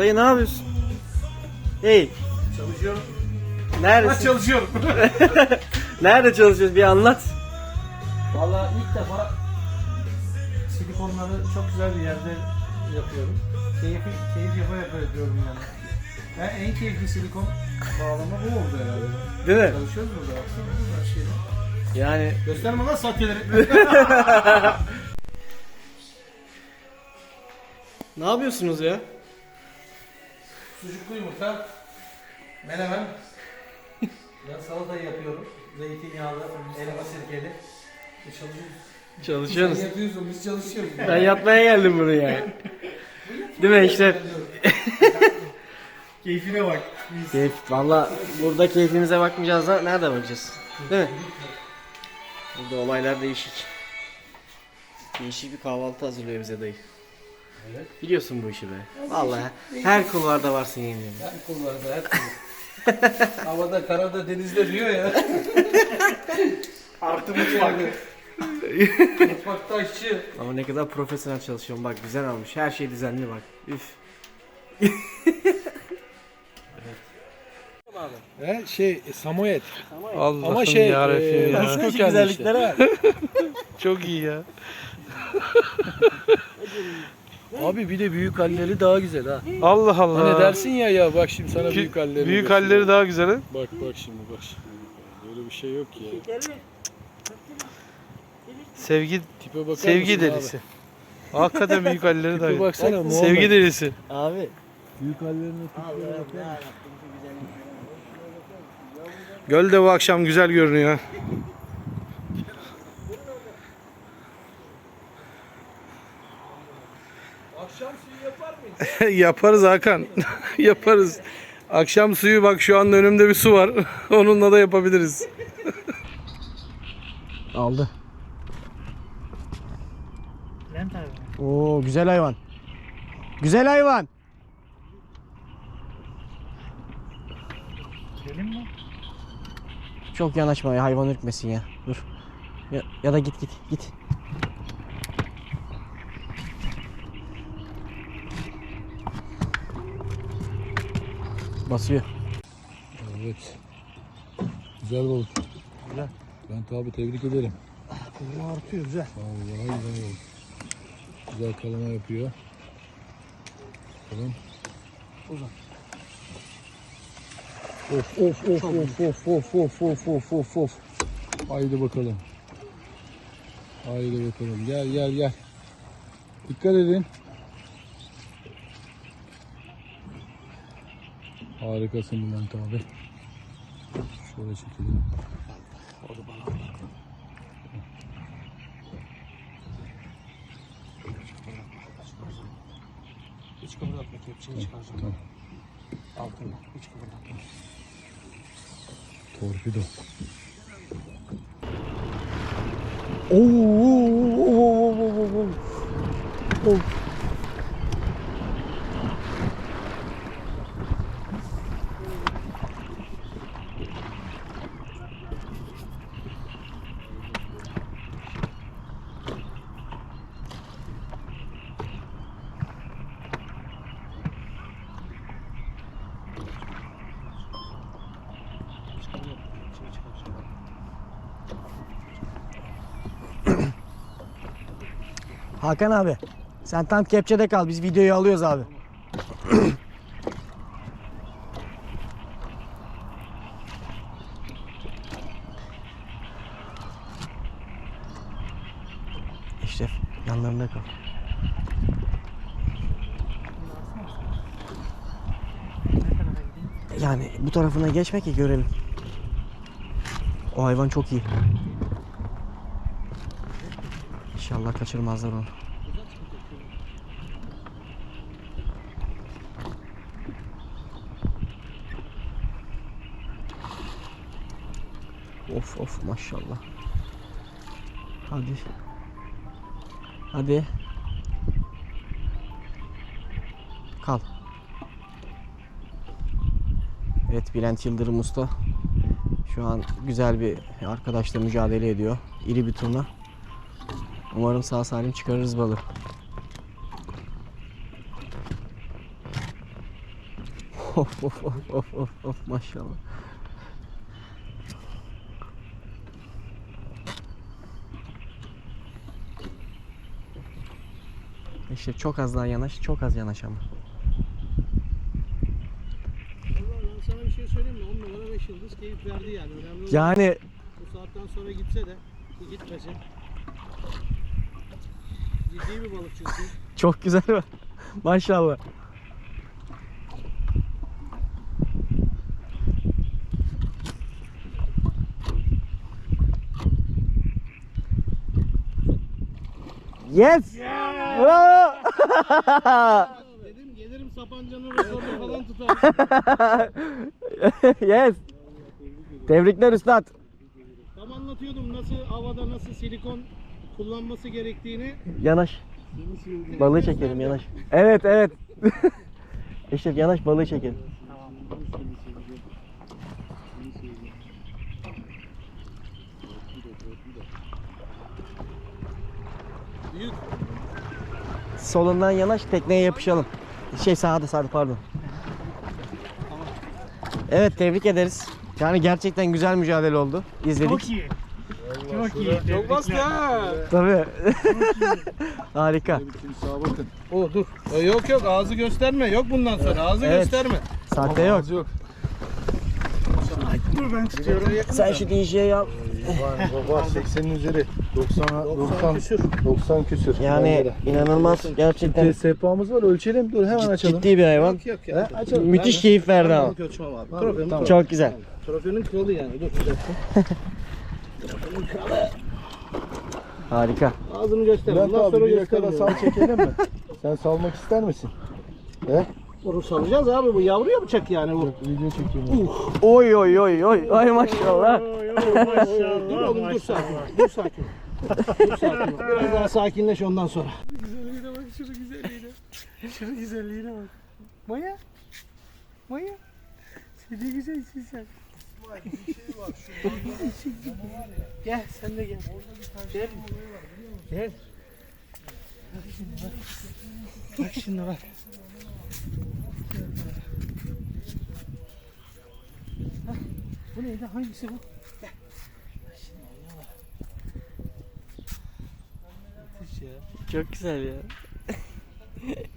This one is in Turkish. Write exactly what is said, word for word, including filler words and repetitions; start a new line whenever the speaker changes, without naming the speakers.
Dayı ne yapıyorsun? Hey.
Çalışıyorum.
Neredesin?
Ben çalışıyorum.
Nerede çalışıyorsun? Bir anlat.
Vallahi ilk defa silikonları çok güzel bir yerde yapıyorum. Keyif, keyif yapa yapa yapıyorum yani. Yani en keyifli silikon bağlama bu oldu herhalde.
Değil mi?
Çalışıyoruz burada baksana her şeyde.
Yani
Gösterme lan sahteleri.
ne yapıyorsunuz ya?
Sucuklu yumurta, menemen, ben salatayı yapıyorum. Zeytinyağlı, elma sirkeli. Biz çalışıyoruz.
Çalışıyorsunuz.
Sen yapıyorsun, biz çalışıyoruz.
Ben yatmaya geldim buraya. Değil mi işte?
Keyfine bak.
Keyif. Valla burada keyfimize bakmayacağız da nerede bakacağız? Değil mi? Burada olaylar değişik. Değişik bir kahvaltı hazırlıyor bize dayı.
Evet.
Biliyorsun bu işi be. Vallahi her kulvarda varsın yemin ederim.
Her kulvarda, her kulvarda. Havada, karada, denizde diyor ya. Artı mutfak. Mutfakta aşçı.
Ama ne kadar profesyonel çalışıyorum. Bak güzel almış. Her şey düzenli bak. Üf.
He, şey Samoyed.
Allah'ım
Ama şey
yarabbim
e,
ya.
Rus
Nasıl
kökenli
güzellikleri
işte.
var.
Çok iyi ya.
Abi bir de büyük halleri daha güzel ha.
Allah Allah.
Hani dersin ya ya bak şimdi sana
Ki-
büyük halleri.
Büyük
göstereyim.
halleri daha güzel ha.
Bak bak şimdi bak şimdi. Böyle bir şey yok ya.
Sevgi
Tipe bakar
sevgi
mısın
delisi. Hakikaten büyük halleri daha
Tipe
güzel.
baksana Muhammed.
Sevgi delisi.
Abi.
Büyük hallerine tipine bakar mısın?
Göl de bu akşam güzel görünüyor.
Akşam suyu yapar mıyız?
Yaparız Hakan. Yaparız. Akşam suyu bak şu anda önümde bir su var. Onunla da yapabiliriz.
Aldı. Oo güzel hayvan. Güzel hayvan.
Gelin mi?
Çok yanaşma ya, hayvan ürkmesin ya. Dur. Ya, ya da git git git. Basıyor.
Evet. Güzel balık. Güzel. Ben tabi tebrik ederim.
Bu artıyor güzel.
Vallahi güzel balık. Güzel kalama yapıyor. Bakalım.
Uzan.
Of of of of of of of of of of of. Haydi bakalım. Haydi bakalım. Gel gel gel. Dikkat edin. Harikasın Bülent abi. Şöyle çekelim.
O da bana. Hiç kıvırdatma kepçeyi çıkaracağım.
Tamam.
Altına. Hiç kıvırdatma.
Torpido.
Oo. Hakan abi, sen tam kepçede kal. Biz videoyu alıyoruz abi. Eşref, yanlarında kal. Yani bu tarafına geçme ki görelim. O hayvan çok iyi. İnşallah kaçırmazlar onu. Of of maşallah. Hadi. Hadi. Kal. Evet, Bülent Yıldırım Usta şu an güzel bir arkadaşla mücadele ediyor. İri bir turna. Umarım sağ salim çıkarırız balığı. Of of of of of of maşallah. İşte çok az daha yanaş, çok az yanaş ama.
Vallahi ben sana bir şey söyleyeyim mi? on numara beş yıldız keyif verdi yani. Önemli olan
Yani
bu saatten sonra gitse de ki gitmesin. Ciddi bir balık çünkü.
çok güzel var. Maşallah. Yes! Bravo!
Dedim gelirim Sapanca'nın rekorunu falan tutar.
Yes! Tebrikler üstad.
Tam anlatıyordum nasıl havada nasıl silikon kullanması gerektiğini.
Yanaş. Balığı çekelim yanaş. Evet evet. Eşref yanaş balığı çekelim.
Büyük.
Solundan yanaş tekneye yapışalım. Şey sağda sağda pardon. Evet tebrik ederiz. Yani gerçekten güzel mücadele oldu. İzledik.
iyi. Çok iyi. Çok bastı ha.
Tabii. Harika.
Sağa bakın. O dur. E, yok yok ağzı gösterme. Yok bundan sonra ağzı
Evet.
gösterme.
Sahte yok.
yok. Dur ben tutuyorum.
Sen şu D J'yi al.
Var seksenin üzeri. doksan
doksan küsür.
doksan küsür.
Yani inanılmaz gerçekten
Sehpamız var ölçelim. Dur hemen açalım.
ciddi bir hayvan.
Yok yok ya.
Açalım.
Müthiş keyif verdi ama.
Ölçmem abi. Trofenin,
Tamam.
Çok güzel.
trofenin kralı yani. Dur bir dakika. Trofenin kralı.
Harika.
Ağzını göster.
Bülent
Bundan
abi
sonra
bir yakada
göstermiyorum.
sal çekelim mi? Sen salmak ister misin? He?
Bunu salacağız abi bu yavruya bıçak yani bu.
Video çekeyim.
Oy oy oy oy. Ay maşallah.
Dur oğlum dur sakin. Dur sakin. Dur sakin. Biraz daha sakinleş ondan sonra. Güzelliğine bak şunun güzelliğine. Şunun güzelliğine bak. Maya. Maya. Sen ne güzelsin sen. Gel sen de gel. Gel. Gel. Bak şimdi bak. Bak şimdi bak. Hah, bu neydi? Hangisi bu? Gel. Bak şimdi ya bak. Müthiş ya.
Çok güzel ya.